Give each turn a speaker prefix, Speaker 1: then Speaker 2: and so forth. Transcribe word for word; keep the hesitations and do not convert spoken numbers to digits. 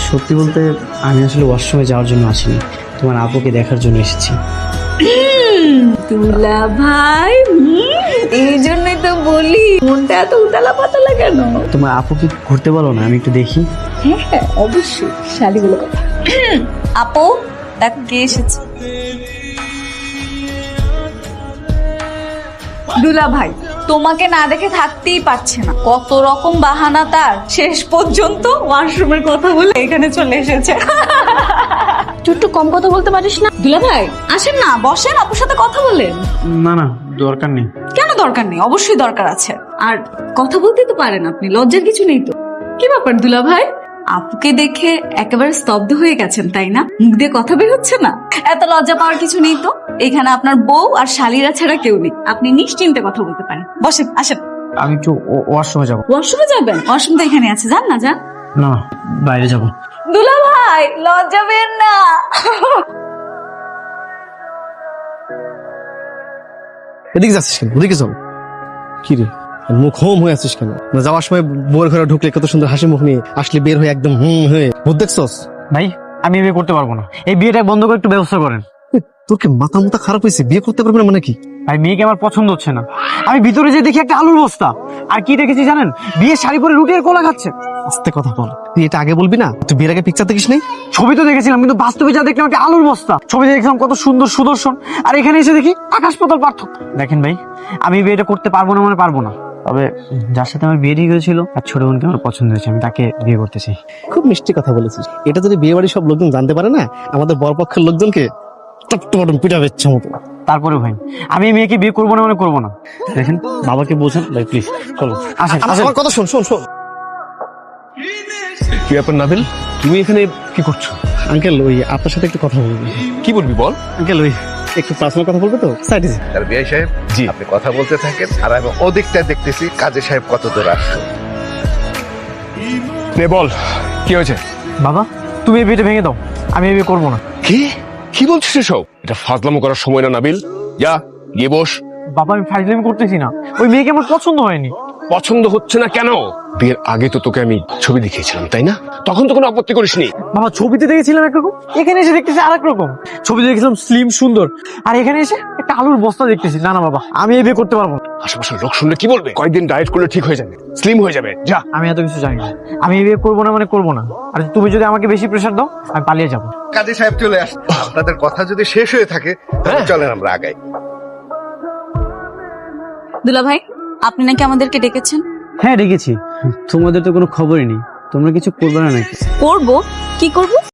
Speaker 1: সত্যি বলতে আমি আসলে ওয়াশরুমে যাওয়ার জন্য আসিনি, তোমার আপুকে দেখার জন্য এসেছি।
Speaker 2: দুলা ভাই, এই জন্যই তো বলি মনটা এত উতালা পাতালা কেন।
Speaker 1: তোমার আপুকে ঘুরতে বলো না, আমি একটু দেখি।
Speaker 2: হ্যাঁ হ্যাঁ অবশ্যই, শালিগুলো কথা। আপু দেখো কে এসেছে। দুলা ভাই তোমাকে না দেখে থাকতেই পারছে না, কত রকম বাহানা তার, শেষ পর্যন্ত ওয়াশরুমের কথা বলে এখানে চলে এসেছে। তুই একটু কম কথা বলতে পারিস না? দুলা ভাই আসেন না, বসেন, আপুর সাথে কথা বলেন।
Speaker 1: না না, দরকার নেই।
Speaker 2: কেন দরকার নেই? অবশ্যই দরকার আছে। আর কথা বলতে তো পারেন আপনি, লজ্জার কিছু নেই তো। কি ব্যাপার দুলা ভাই, আপুকে দেখে একেবারে স্তব্ধ হয়ে গেছেন তাই না? মুখ দিয়ে কথা বের হচ্ছে না? এত লজ্জা পাওয়ার কিছু নেই তো, এখানে আপনার বউ আর শালীরা ছাড়া কেউ নেই, আপনি নিশ্চিন্তে কথা বলতে পারেন। বসেন, আসেন।
Speaker 1: আমি একটু ওয়াশরুমে যাবো।
Speaker 2: ওয়াশরুমে যাবেন? ওয়াশরুম তো এখানে আছে, যান না যান।
Speaker 1: না, বাইরে যাবো।
Speaker 2: দুলা ভাই লজ্জা পেন না।
Speaker 3: এদিকে যাচ্ছিস কেন? ওদিকে চল। কি রে মুখ হোম হয়ে আছিস কেন? না যাওয়ার সময় বউয়ের ঘরে ঢুকলে কত সুন্দর হাসি মুখ নিয়ে আসলে, বের হয়ে একদম হুম হয়ে ভূত দেখছস?
Speaker 1: ভাই আমি বিয়ে করতে পারবো না, এই বিয়েটা বন্ধ করে একটু ব্যবস্থা করেন।
Speaker 3: তোর কি মাথা মুথা খারাপ হয়েছে? বিয়ে করতে পারবে না মানে কি?
Speaker 1: ভাই মেয়েকে আমার পছন্দ হচ্ছে না। আমি ভিতরে যে দেখি একটা আলুর বস্তা, আর কি দেখেছি জানেন? বিয়ের শাড়ি পরে রুটি আর কোলা খাচ্ছে।
Speaker 3: আস্তে কথা বল, তুই এটা আগে বলবি না? তুই বিয়ের আগে পিকচার দেখিস নাই?
Speaker 1: ছবি তো দেখেছিলাম, কিন্তু বাস্তবে যা দেখলাম একটা আলুর বস্তা। ছবিতে দেখলাম কত সুন্দর সুদর্শন, আর এখানে এসে দেখি আকাশ পাতাল পার্থক্য। দেখেন ভাই, আমি বিয়েটা করতে পারবো না মানে পারবো না, তবে যার সাথে আমার বিয়ে ঠিক হয়েছিল আর ছোট বোনকে আমার পছন্দ হয়েছে, আমি তাকে বিয়ে করতে চাই।
Speaker 3: খুব মিষ্টি কথা বলেছিস। এটা যদি বিয়ে বাড়ির সব লোকজন জানতে পারে না, আমাদের বরপক্ষের লোকজনকে টপটপটম পিটা বেচ্ছে মতো।
Speaker 1: তারপরে ভাই আমি এই মেয়েকে বিয়ে করবো না মানে করবো না। দেখেন বাবাকে বোঝান ভাই, প্লিজ চলো আসেন।
Speaker 3: আমার কথা শোন শোন শোন।
Speaker 4: কি ব্যাপার নাবিল, তুমি এখানে কি করছো?
Speaker 3: আঙ্কেল ওই আপনার সাথে একটু কথা বলবো।
Speaker 4: কি বলবি বল।
Speaker 3: আঙ্কেল ওই একটু পার্সোনাল কথা বলবো তো, সাইডে।
Speaker 5: তার বিআই সাহেব,
Speaker 4: জি।
Speaker 5: আপনি কথা বলতে থাকেন, আর আমি ওদিকটা দেখতেছি কাজী সাহেব কত দূর আসছে।
Speaker 4: নে বল, কি হয়েছে?
Speaker 1: বাবা তুমি এই বিয়েটা ভেঙে দাও, আমি এই বিয়ে করবো না।
Speaker 4: কি কি বলছিস এসব? এটা ফাজলামো করার সময় না নাবিল, যা গিয়ে বস।
Speaker 1: বাবা আমি ফাইজলামি করতেছি না, ওই মেয়েকে আমার পছন্দ হয়নি।
Speaker 4: পছন্দ হচ্ছে না কেন? বিয়ের আগে তো তোকে আমি ছবি দেখিয়েছিলাম তাই না? তখন তো কোনো আপত্তি করিসনি।
Speaker 1: বাবা ছবিতে দেখেছিলাম একরকম, এখানে এসে দেখতেছি আর এক রকম। ছবিতে দেখেছিলাম স্লিম সুন্দর, আর এখানে এসে একটা আলুর বস্তা দেখতেছি। না না বাবা, আমি এই বিয়ে করতে পারবো না।
Speaker 4: আশেপাশের লোক শুনলে কি বলবে? কয়েকদিন ডায়েট করলে ঠিক হয়ে যাবে, স্লিম হয়ে যাবে, যা।
Speaker 1: আমি এত কিছু জানি না, আমি এই বিয়ে করবো না মানে করবো না। আর তুমি যদি আমাকে বেশি প্রেশার দাও, আমি পালিয়ে যাবো।
Speaker 5: কাজী সাহেব চলে আসছে, আপনাদের কথা যদি শেষ হয়ে থাকে তাহলে চলেন আমরা আগাই।
Speaker 2: দুলা ভাই আপনি নাকি আমাদেরকে ডেকেছেন?
Speaker 1: হ্যাঁ ডেকেছি, তোমাদের তো কোনো খবরই নেই, তোমরা কিছু করবে না নাকি?
Speaker 2: করবো? কি করবো?